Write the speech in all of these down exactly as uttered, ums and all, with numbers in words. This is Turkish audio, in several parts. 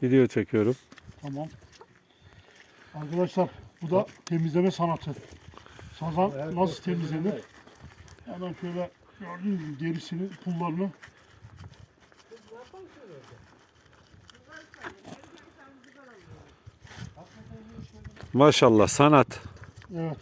Video çekiyorum. Tamam. Arkadaşlar bu da temizleme sanatı. Sazan nasıl temizlenir? Hemen şöyle gördüğünüz gibi derisini, pullarını. Maşallah sanat. Evet.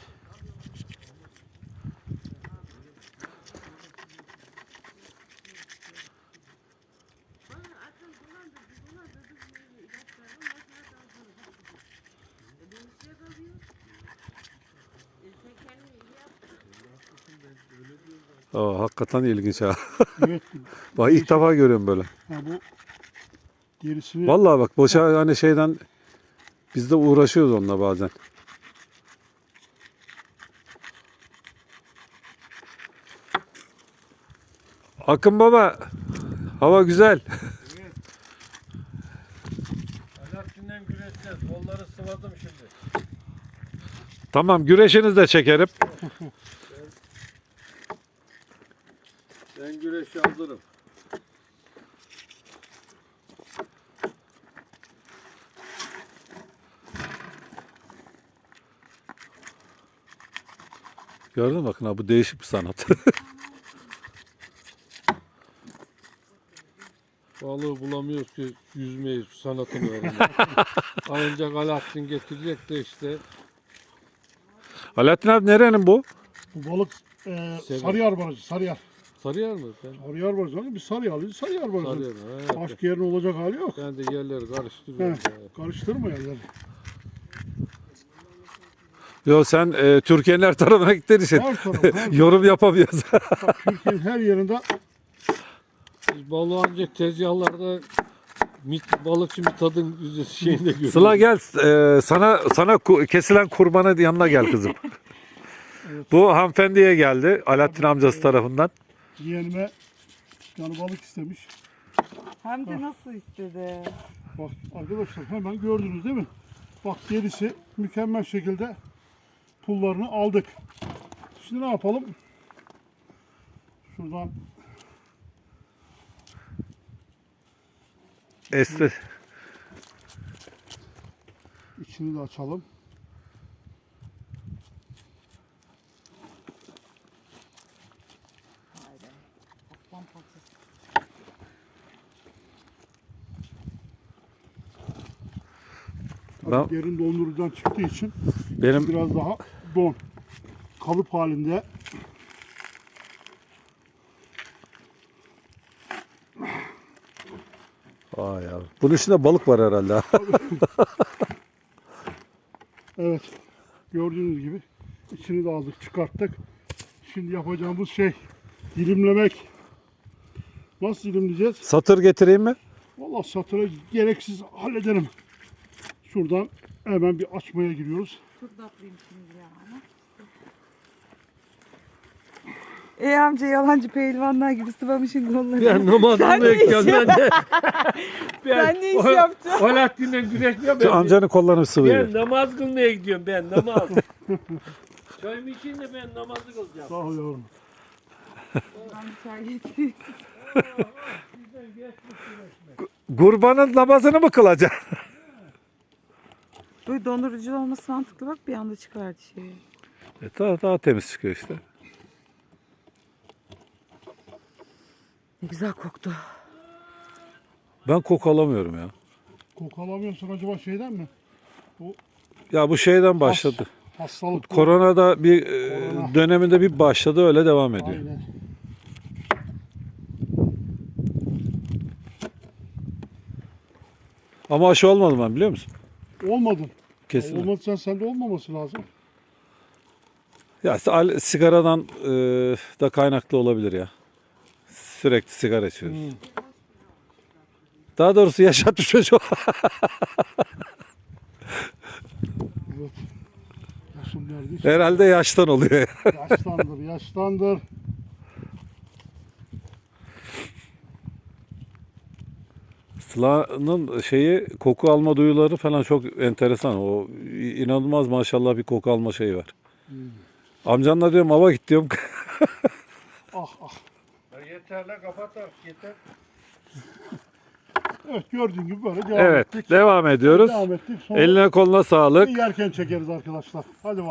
Aa, hakikaten ilginç ha. Evet. Bak ilk defa görüyorum böyle. Ha, bu derisini Vallahi bak boşa hani şeyden biz de uğraşıyoruz onunla bazen. Akın baba, hava güzel. Evet. Alaaddin'den güreşeceğiz. Kolları sıvadım şimdi. Tamam, güreşinizi de çekerim. Ben güreşe hazırım. Gördün mü bakın ha, bu değişik bir sanat. Balığı bulamıyoruz ki yüzmeyi, sanatını öğrenelim. Ancak Alaaddin getirecek de işte. Alaaddin abi nerenin bu? bu balık e, Sever. Sarıyer barajı, Sarıyer. Sarıyer mi? Ben Sarıyer barajı. Hani biz Sarıyerliyiz, Sarıyer barajı. Sarıyer. Evet. Başka yerin olacak hali yok. Ben de yerleri karıştırıyorum. He, karıştırma yerleri. Yo sen e, Türkiye'nin her tarafına gittiğin için Her taraf, her taraf. yorum yapamıyoruz. Bak, Türkiye'nin her yerinde Biz balığı ancak tezgahlarda mit, balıkçı Mithat'ın şeyinde görüyoruz. Sıla gel, e, sana sana ku- kesilen kurbanın yanına gel kızım. Evet. Bu hanımefendiye geldi Alaaddin amcası tarafından. yeğenime bir tane balık istemiş. Hem de nasıl istedi. Bak arkadaşlar hemen gördünüz değil mi? Bak derisi mükemmel şekilde pullarını aldık. Şimdi ne yapalım? Şuradan Esti. içini de açalım. Haydi. Aslan parçası. Tabii Ben- derin dondurucudan çıktığı için Benim biraz daha don. Kalıp halinde. Vay ya. Bunun içinde balık var herhalde. Evet. Gördüğünüz gibi içini de aldık, çıkarttık. Şimdi yapacağımız şey dilimlemek. Nasıl dilimleyeceğiz? Satır getireyim mi? Vallahi satıra gereksiz hallederim. Şuradan hemen bir açmaya giriyoruz. Çok tatlıyım şimdi ya. Ey amca yalancı pehlivanlar gibi sıvamışın kolları. Ben namazımı Sen ne bekliyorum iş ben de. Ben, Sen ne iş yapacaksın? Alaaddin'den güreşmiyorum Şu ben. amcanın kollarını Ben sıvıyor. namaz kılmaya gidiyorum ben namaz. Çayımı için de ben namazı kılacağım. Sağ ol yavrum. Ben bir çay getireyim. Kurbanın namazını mı kılacaksın? Böyle dondurucu olması mantıklı, bak bir anda çıkardı şeyi. E, daha, daha temiz çıkıyor işte. Ne güzel koktu. Ben koku alamıyorum ya. Koku alamıyorsun acaba şeyden mi? Ya bu şeyden başladı. Hastalık. Koronada bir e, Korona. döneminde bir başladı, öyle devam ediyor. Aynen. Ama aşı olmadım ben, biliyor musun? Olmadın. Kesin. Olmadıysan sende olmaması lazım. Ya al- sigaradan e, da kaynaklı olabilir ya. Sürekli sigara içiyoruz. Hmm. Daha doğrusu yaşatmış çocuğu. Evet. Yaşım neredeyse. Herhalde yaştan oluyor. Yaşlandır, yaşlandır. Sıla'nın şeyi, koku alma duyuları falan çok enteresan. O inanılmaz maşallah bir koku alma şeyi var. Hmm. Amcanla diyorum hava git diyorum. Ah ah. Ya yeter la kapat artık yeter. Evet gördüğün gibi böyle devam Evet, ettik. devam ediyoruz. Devam ettik. Sonra Eline koluna sağlık. yerken çekeriz arkadaşlar. Hadi bakalım.